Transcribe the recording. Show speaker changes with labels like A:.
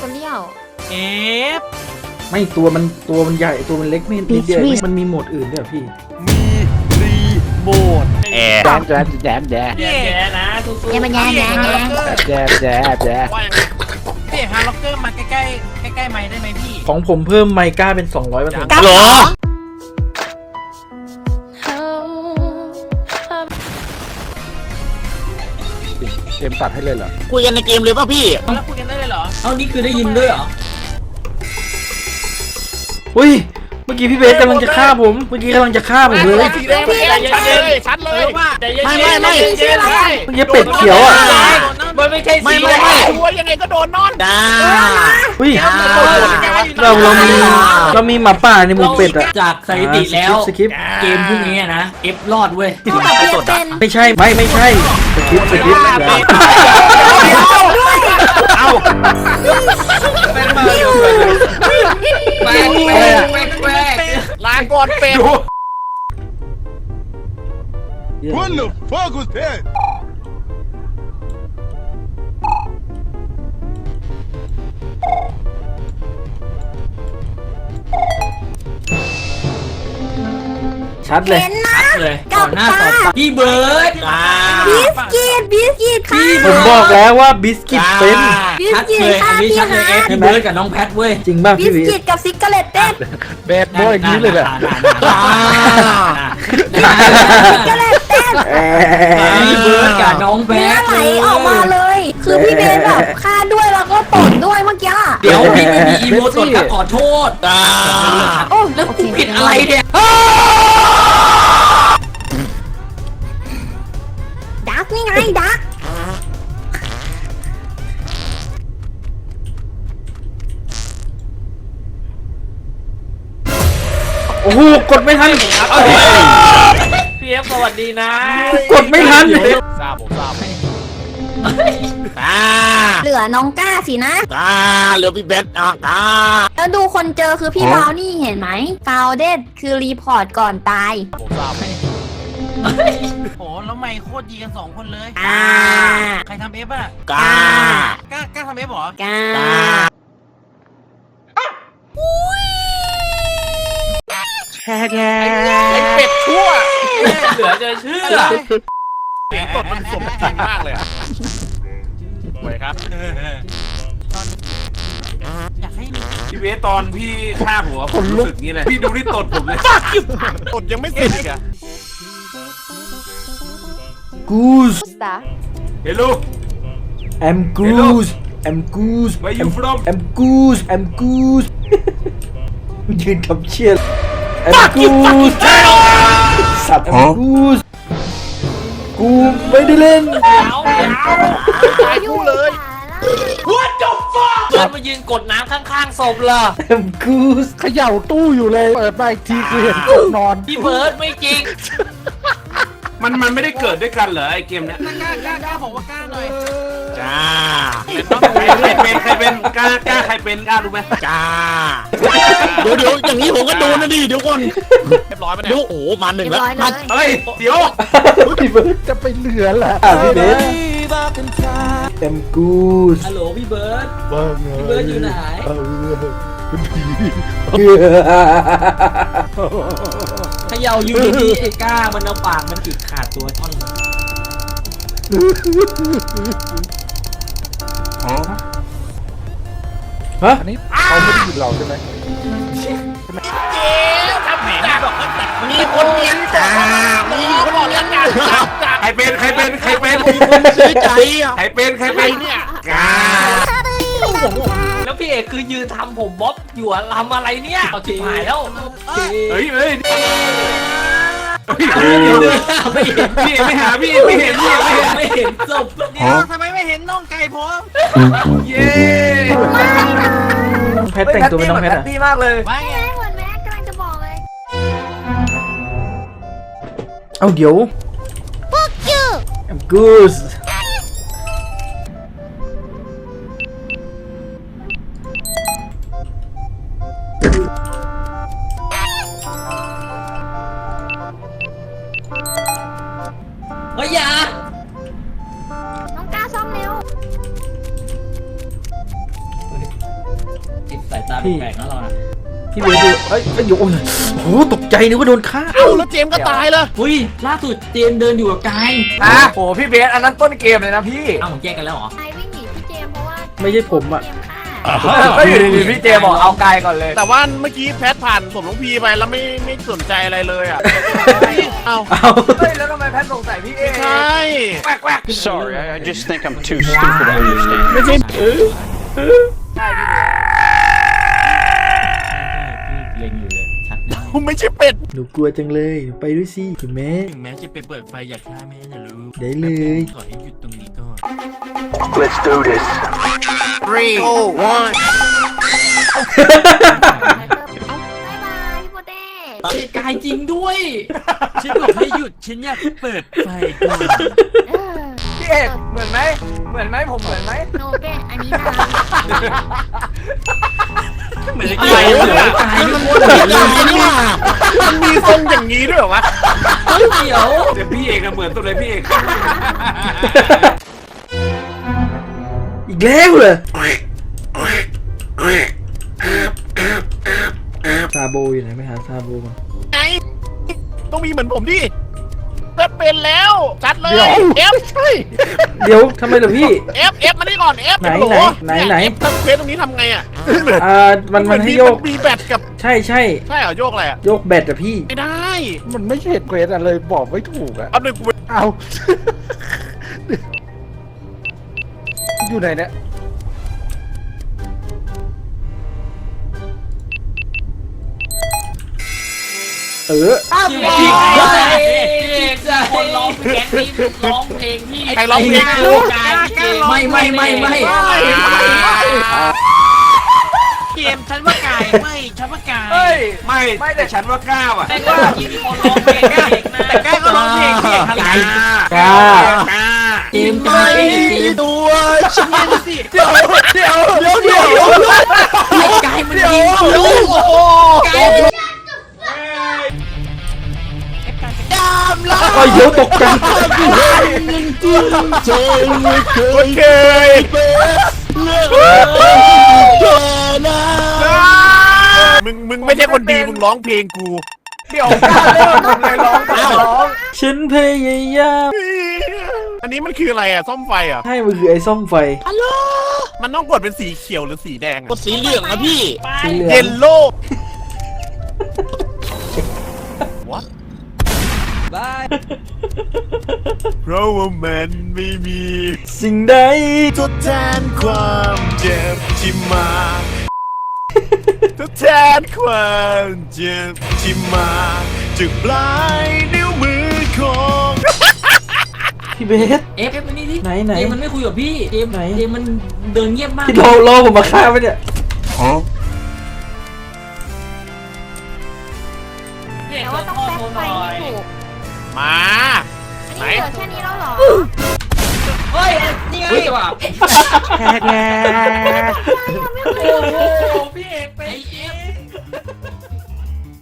A: ตัวเลี้ยว
B: เอฟ
C: ไม่ตัวมันใหญ่ตัวมันเล็กไม่นิดเดียวมันมีโหมดอื่นด้วยพี่
B: มีรีโมท
D: แดด
B: แย่นะสู้ๆ
A: แย่มันแย่
B: พี่ฮาร์ล็อกเกอร์มาใกล้ไม้ได้ไหมพี่
C: ของผมเพิ่มไมก้าเป็น200%
D: หรอเกมตัดให้เลยเหรอคุยกันในเกมเลยป่ะพี่
B: แล้วคุยกันได้เลยเหรอ
E: เอานี่คือได้ยินด้วยเหรอ
C: อุ้ยเมื่อกี้พี่เบสกำลังจะฆ่าผมเลย
D: สีแดงเลยชัดเลยไม่
C: เมื่อกี้เป็ดเขียวอ่ะ
B: มันไม่ใช่สี
D: ตัวยังไงก็โดนนอนจ้า
C: อุ้ยเรามีหมาป่าในหมู่เป็ดอ่ะ
E: จากสถิติแล้วเกมพวกนี้นะเอฟรอดเว้ย
C: ไม่ใช่สคริป
D: เอาลาก่อนเป็ด
F: What the fuck was that?
C: ชัดเลย
E: ต่อหน้าต่อตาพี่เบิร์ด
A: บิสกิตค่ะ
C: ผมบอกแล้วว่าบิสกิตเป็น
E: ชัดเลยอันนี้ชัดเลยพี่เบิร์ดกับน้องแพทเว้ย
C: จริงป่ะ
A: บิสกิตกับซิกเกอร์เลตเต้น
D: แบดบอยอย่างนี้เลยแหละ
A: ซิกเกอร์เลตเต้น
E: พี่เบิร์ดกับน้องแพท
A: ไหลออกมาเลยคือพี่เบนแบบฆ่าด้วยแล้วก็ตดด้วยเมื่อกี้
E: เดี๋ยวพี่ไม่มีอีโมตดครับขอโทษโอ้แล้วกูผิดอะไรเนี่ย
A: ดักนี่ไงดัก
C: โอ้โหกดไม่ทัน
B: พี่เอฟสวัสดีนะ
C: กดไม่ทัน
D: ทราบ
A: เหลือน้องก้าสินะ
D: เหลือพี่เบส
A: แล้วดูคนเจอคือพี่บาวนี่เห็นไหมฟาวเดดคือรีพอร์ตก่อนตาย
B: โหแล้วไม่โคตรดีกัน2คนเลยใครทำเอฟอ่ะ
D: กล้
B: าทำเอฟหรอก
A: ล้า
D: ไอ้เป็ดชั่ว
B: เหลือจะเชื่อ
D: ตดมันสมจริงมากเลยอ่ะไว้ครับ
B: อยากให้
G: พี่เวตอนพี่ฆ่าหัวผมรู้สึกงี้เลยพี่ดูที่ตดผมเลย
D: ตดยังไม่เสร็จอีกอ่ะ
C: Goose
G: Hello
C: I'm Goose I'm Goose
G: Where you from
C: I'm Gooseยืนคำเชี่ย I'm Goose สัตว์ I'm Goose กูไม่ได้เล่น
D: ตายกูเลย
B: What the fuck เดินมายืนกดน้ำข้างๆศพล่ะ
C: I'm Goose
D: เขย่าตู้อยู่เลยเปิดไปทีกูเห็นนอน
B: พี่เบิร์ดไม่จริง
G: มันไม่ได้เกิดด้วยกันเหรอไอเกมเนี้ย
B: กล้าบอกว่ากล้าหน่อย
D: จ้า
G: ใครเป็นกล้าใครเป็นกล้ารู้ไหม
D: จ้าเดี๋ยวอย่างนี้ผมก็โดนนะดิเดี๋ยวก่อนเรียบร้อยไหมเนี่ยโอ้มา1แล้ว
G: เฮ้ยเดี๋ยว
C: พี่เบิร์ดจะไปเหลือแหละพี่เบิร์ดI'm Goose
E: ฮัลโหลพี่เบิร์ดอยู่ไหนเขย่าอยู่ดีไอ้ก้ามันเอาปากมันจิกขาดตัวท่อน
C: ฮะ
D: อันนี้เขาไม่ได้ยินเราใช่ไหม
B: มีคนเลี้ยงมีคนบอกแล้วกัน
G: ใครเป็น
D: ซื้อใจอ่ะ
G: ใครเป็น
D: เนี่ย
G: กา
B: แล้วพี่เอกคือยืนทำผมบ๊อบอยู่ทำอะไรเนี่ยเอาชิบหายแล้ว
G: เฮ้ย
B: ไม่เห็น
G: พี่ไม่หาพี่ไม่เห็น
B: ศพเดี๋ยวทำไมไม่เห็นน้องไก่ผม
G: เย้
C: แพทแต่งตัวเป็นน้องแพท
A: ดีมากเลยว่าไงเหมือนแม่กำลังจะบอกเลย
C: เอาเดี๋ยว
A: Fuck you
C: I'm Goose
E: เฮ้ยอย่า
A: น้องก้าซ่อมเร็ว
C: พี่
E: แปลกๆนะเรานะ
C: พี่เบสดูเอ้ยโอ้โหตกใจนึกว่าโดนฆ่า
D: เอ้าแล้วเจมส์ก็ตายเลย
E: อุ้ยล่าสุดเจมส์เดินอยู่กับกาย
B: โอ้พี่เบสอันนั้นต้นเกมเลยนะพี่
E: เอ้าแยกกันแล้วเหรอ
A: ไอวิ่งหนีพี่เจมส์เพราะว่า
C: ไม่ใช่ผมอะ
A: เจมส์ฆ่า
B: ก็อยู่ดีๆพี่เจบอกเอากายก่อนเลย
D: แต่ว่าเมื่อกี้แพทผ่านสมน้องพีไปแล้วไม่สนใจอะไรเลยอ่ะเอ้า
C: เอา
B: เฮ้ยแล้วทำไมแพทสงสัยพี่เอ
D: ใช่
B: แวก
H: Sorry, I just think I'm too stupid to understand.
D: ไม่ใช่
B: ใช่พี่เบส
E: เล็งอยู่เลยชัดนะ
D: ไม่ใช่เป็ด
C: หนูกลัวจังเลยหนูไปด้วยสิคุณแม่
D: ถึงแม้จะไปเปิดไฟอยากฆ่าแม่นะลูก
C: ได้เลย
D: ขอให้หยุดตรงนี้ก่อน
F: Let's do this.
D: 3 2 1
A: บ๊ายบายพี่โปเต้
E: กายจริงด้วย
D: ฉันบอกให้หยุดฉันอยากเปิดไฟก่อน
A: เออ
B: พี่เอกเหมือนไหมผมเหมือนไหม
A: โนเก้อันนี้นะ
B: เหมือน
E: กายเหมือนกายไม่พูดเลย
D: นี่ว่ามันมีทรงอย่างนี้ด้วยเหรอวะ
E: เดี๋ยว
G: เดี๋ยวพี่เอกเหมือนตัวเลยพี่เอก
C: อีกแล้วเหรอซาโบอยู่ไหนไม่หาซาโบมา
D: ไงต้องมีเหมือนผมดิจะเป็นแล้วจัดเลย F ใช่
C: เดี๋ยวทำไมเหรอพี่
D: F มานี่ก่อน F
C: ไหน
D: โหล
C: ไหน
D: F ถ้าเควสตรงนี้ทำไงอ่ะ
C: มันให้โยก
D: มีแบตกับ
C: ใช่
D: ใช่เหรอโยกอะไรอ่ะ
C: โยกแบตอะพี่
D: ไม่ได้
C: มันไม่ใช่เควสอะไรบอกไม่ถูกอะ
D: เอาหนึ่งกู
C: เอาอยู่ไหนเนี่ย
E: พี่เอกคนร้องเพลงนี้ร้องเพลงที่
D: ใครร้องเพลง
E: กายไม่เกมฉันว่ากายไม่ฉันว่ากาย
B: เฮ้ย
G: ไม่แต่ฉันว่ากล้าว่ะ
E: แต่ก็มีคนร้องเพลงนะแต่กายก็ร้องเพลงพี่เอกทำไง
C: กล้า
E: เกมกายเกม
D: ตัวฉันเล่นสิ
C: เดี๋ยว
E: กายมันยิงลูกกาย
C: ก็เดี๋ยวตกใจ
D: โอเคมึงไม่ใช่คนดีมึงร้องเพลงกู
B: เดี๋ยวกล้าเริ่มผมเลยร้อง
C: ฉันพยายาม
D: อันนี้มันคืออะไรอ่ะซ่อมไฟอ่ะ
C: ให้มันคือไอ้ซ่อมไฟ
D: มันต้องกดเป็นสีเขียวหรือสีแดง
E: กดสีเหลืองนะพี่
C: สีเหลือ
D: เย
C: ง
D: ลโล่เพราะว่ามันไม่มี
C: สิ่งใด
D: ทดแทนความเจ็บที่มาทดแทนความเจ็บที่มาจากปลายนิ้วมือของ
C: พี่เบส
E: เอฟมันนี่ดิ
C: ไหน
E: เกมมันไม่คุยกับพี่เกม
C: ไหน
E: เกมมันเดินเงียบมาก
C: พี่รอผมมาฆ่าไปเนี่ย
A: แต่ว่าต้องแป๊กไฟให้ถูก
D: มา
A: อันนี้เหลือแค่นี้แล้วเหรอ
E: เฮ้ยนี่ไงว่ะ
C: แฮกแฮก
E: โอ้โหพี่เอกไปเอฟ